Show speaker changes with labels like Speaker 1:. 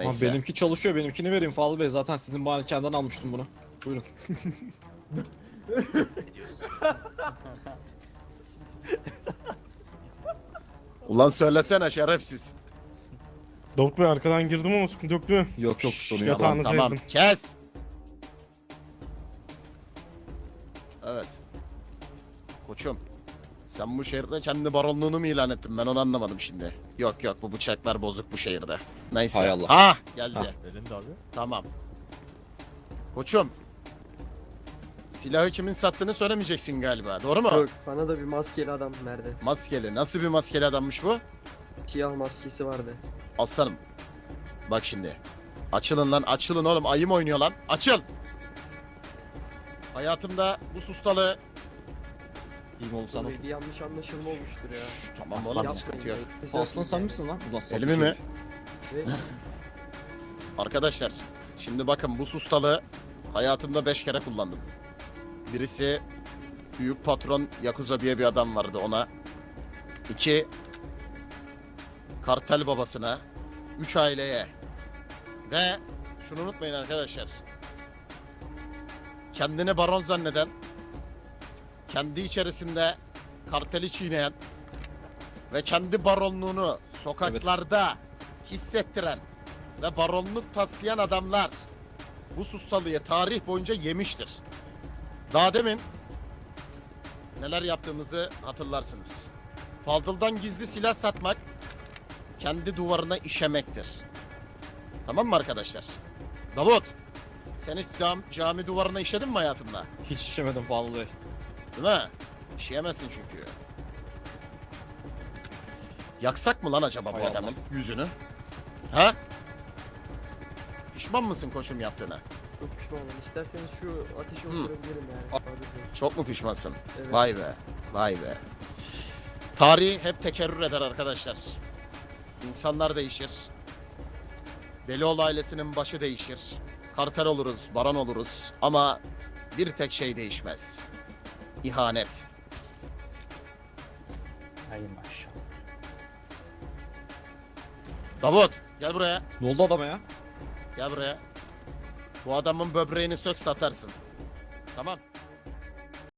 Speaker 1: Ama
Speaker 2: Neyse.
Speaker 1: benimki çalışıyor. Benimkini vereyim Fadıl Bey. Zaten sizin malikaneden almıştım bunu. Buyurun.
Speaker 2: Ne diyorsun?
Speaker 3: Ulan söylesene şerefsiz.
Speaker 4: Davut Bey arkadan girdim ama sıkıntı yok değil mi?
Speaker 1: Yok yok sorun yok.
Speaker 4: Yatağınızı
Speaker 3: Tamam
Speaker 4: ezdim.
Speaker 3: kes. Evet. Koçum. Sen bu şehirde kendi baronluğunu mu ilan ettin? Ben onu anlamadım şimdi. Yok yok, bu bıçaklar bozuk bu şehirde. Neyse.
Speaker 1: Hay Allah.
Speaker 3: Ha geldi.
Speaker 1: Ha.
Speaker 5: Elinde abi.
Speaker 3: Tamam. Koçum. Silahı kimin sattığını söylemeyeceksin galiba. Doğru mu?
Speaker 6: Yok, bana da bir maskeli adam verdi.
Speaker 3: Maskeli. Nasıl bir maskeli adammış bu?
Speaker 6: Siyah maskesi vardı.
Speaker 3: Aslanım. Bak şimdi. Açılın lan, açılın oğlum. Ayı mı oynuyor lan? Açıl. Hayatımda bu sustalı...
Speaker 1: İyiyim oğlum sen
Speaker 6: Bir
Speaker 1: nasılsın?
Speaker 6: yanlış anlaşılma olmuştur ya.
Speaker 3: Tamam
Speaker 1: Aslan
Speaker 3: oğlum,
Speaker 1: yapmayın
Speaker 3: sıkıntı yok.
Speaker 1: Aslan sen misin lan? Ulan sapık
Speaker 3: Elimi mi?
Speaker 1: herif.
Speaker 6: Ve
Speaker 3: Arkadaşlar, şimdi bakın bu sustalı hayatımda 5 kere kullandım. Birisi büyük patron Yakuza diye bir adam vardı, ona. 2 kartel babasına. 3 aileye. Ve şunu unutmayın arkadaşlar. Kendini baron zanneden, kendi içerisinde karteli çiğneyen ve kendi baronluğunu sokaklarda hissettiren ve baronluk taslayan adamlar bu sustalıyı tarih boyunca yemiştir. Daha demin neler yaptığımızı hatırlarsınız. Fadıl'dan gizli silah satmak kendi duvarına işemektir. Tamam mı arkadaşlar? Davut, sen hiç cami duvarına işedin mi hayatında?
Speaker 1: Hiç işemedim Fadıl Bey.
Speaker 3: Değil mi? İşeyemezsin çünkü. Yaksak mı lan acaba bu
Speaker 1: Hay Allah.
Speaker 3: adamın yüzünü? Ha? Pişman mısın koçum yaptığına?
Speaker 6: çok pişmanım. İsterseniz şu ateşi oturabilirim yani. Hadi buyurun.
Speaker 3: Çok mu pişmansın?
Speaker 6: Evet.
Speaker 3: Vay be, vay be. Tarih hep tekerrür eder arkadaşlar. İnsanlar değişir. Delioğlu ailesinin başı değişir. Kartel oluruz, baron oluruz. Ama bir tek şey değişmez. İhanet.
Speaker 5: Hay maşallah.
Speaker 3: Davut, gel buraya.
Speaker 1: Ne oldu adama ya?
Speaker 3: Gel buraya. Bu adamın böbreğini sök satarsın. Tamam.